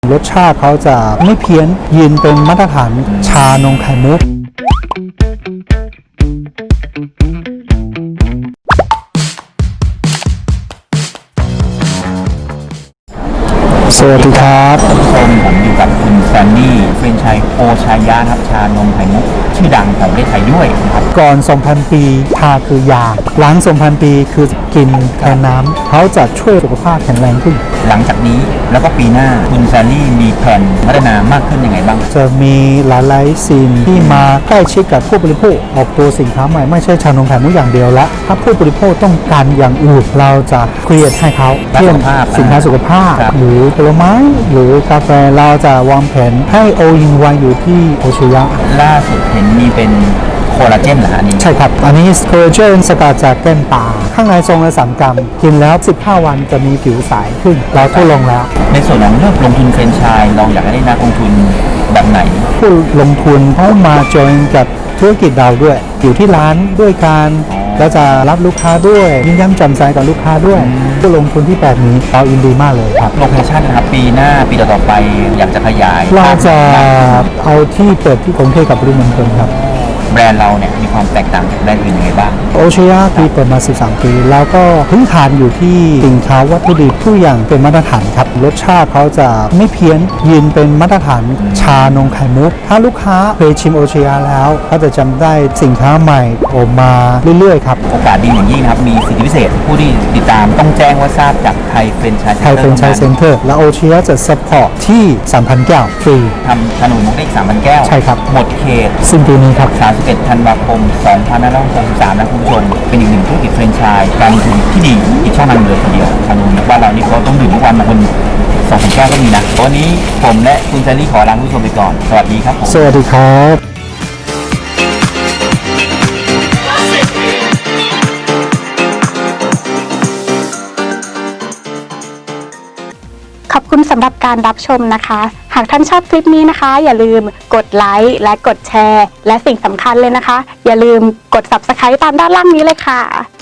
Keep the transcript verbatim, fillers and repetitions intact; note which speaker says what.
Speaker 1: รสชาติเขาจะไม่เพี้ยนยืนเป็นมาตรฐานชานมไข่มุกสวัสดีครับ
Speaker 2: ท่านผู้ชมผมอยู่กับคุณแซนดี้เฟรนไชส์โอชายะครับชานมไข่มุกชื่อดังของประเทศไทยด้วยนะครับ
Speaker 1: ก่อน สองพัน ปีชาคือยาหลัง สองพัน ปีคือกินแทนน้ำเขาจะช่วยสุขภาพแข็งแรงขึ้น
Speaker 2: หลังจากนี้แล้วก็ปีหน้าคุณแซนดี้มีแผนพัฒนามากขึ้นยังไงบ้าง
Speaker 1: จะมีหลายๆสิ่งที่มาใกล้ชิดกับผู้บริโภคออกตัวสินค้าใหม่ไม่ใช่ชานมไข่มุกอย่างเดียวละถ้าผู้บริโภคต้องการอย่างอื่นเราจะเครียดให้เขาเช่นสินค้าสุขภาพหรือผลไม้หรือกาแฟเราจะวางแผนให้โออินวันอยู่ที่โอชิยะ
Speaker 2: ล่าสุดเห็นมีเป็นโคลลาเจนเหรออันนี้
Speaker 1: ใช่ครับอันนี้โคลลาเจนสกัดจากแก้มปลาข้างในทรงละสามกรัมกินแล้วสิบห้าวันจะมีผิวใสขึ้นเราทดลองแล้ว
Speaker 2: ในส่วนของเลือกลงทุนแฟรนไชส์เราอยากได้นักลงทุนแบบไหน
Speaker 1: ผู้ลงทุนเขามาจอยกับธุรกิจเราด้วยอยู่ที่ร้านด้วยกันแล้วจะรับลูกค้าด้วยยิ้มแย้มแจ่มใสกับลูกค้าด้วยผู้ลงทุนที่แบบนี้เรายินดีมากเลยครับ
Speaker 2: โลเคชั่นนะครับปีหน้าปีต่อๆไปอยากจะขยาย
Speaker 1: เราจะเอาที่เปิดที่กรุงเทพกับปริมณฑลครับ
Speaker 2: แบรนด์เราเนี่ยมีความแตกต่างจากแบรนด์อื่นยังไงบ้าง
Speaker 1: โอชิยะที่เปิดมาสิบสามปีแล้วก็พื้นฐานอยู่ที่สินค้าวัตถุดิบทุกอย่างเป็นมาตรฐานครับรสชาติเขาจะไม่เพี้ยนยืนเป็นมาตรฐานชานมไข่มุกถ้าลูกค้าเคยชิมโอชิยะแล้วก็จะจำได้สินค้าใหม่ออกมาเรื่อยๆครับ
Speaker 2: โอกาสดีอย่างยิ่งครับมีสิทธิพิเศษผู้ที่ติดตามต้องแจ้งว่าทราบจากไทยเฟรนไชส์
Speaker 1: ไทยเฟรนไชส์เซ็นเตอร์และโอชิยะจะซัพพอร์ตที่ สามพัน แก้วฟรี
Speaker 2: ทำชานมมุกได้อีก สามพัน แก้ว
Speaker 1: ใช่ครับ
Speaker 2: หมดเขต
Speaker 1: สิ้นปีนี้ครับ
Speaker 2: สามสิบเอ็ดธันวาคมสองพันห้าร้อยหกสิบสามนะคุณผู้ชมเป็นอีกหนึ่งธุรกิจแฟรนไชส์การลงทุนที่ดีอีกช่องทางเลยทีเดียวชานมบ้านเรานี่เขาต้องดื่มทุกวันบางคนสองพันแก้วก็มีนะวันนี้ผมและคุณแซนดี้ขอลาคุณผู้ชมไปก่อนสวัสดีครับผม
Speaker 1: สวัสดีครับ
Speaker 3: ขอบคุณสำหรับการรับชมนะคะหากท่านชอบคลิปนี้นะคะอย่าลืมกดไลค์และกดแชร์และสิ่งสำคัญเลยนะคะอย่าลืมกด ซับสไครบ์ ตามด้านล่างนี้เลยค่ะ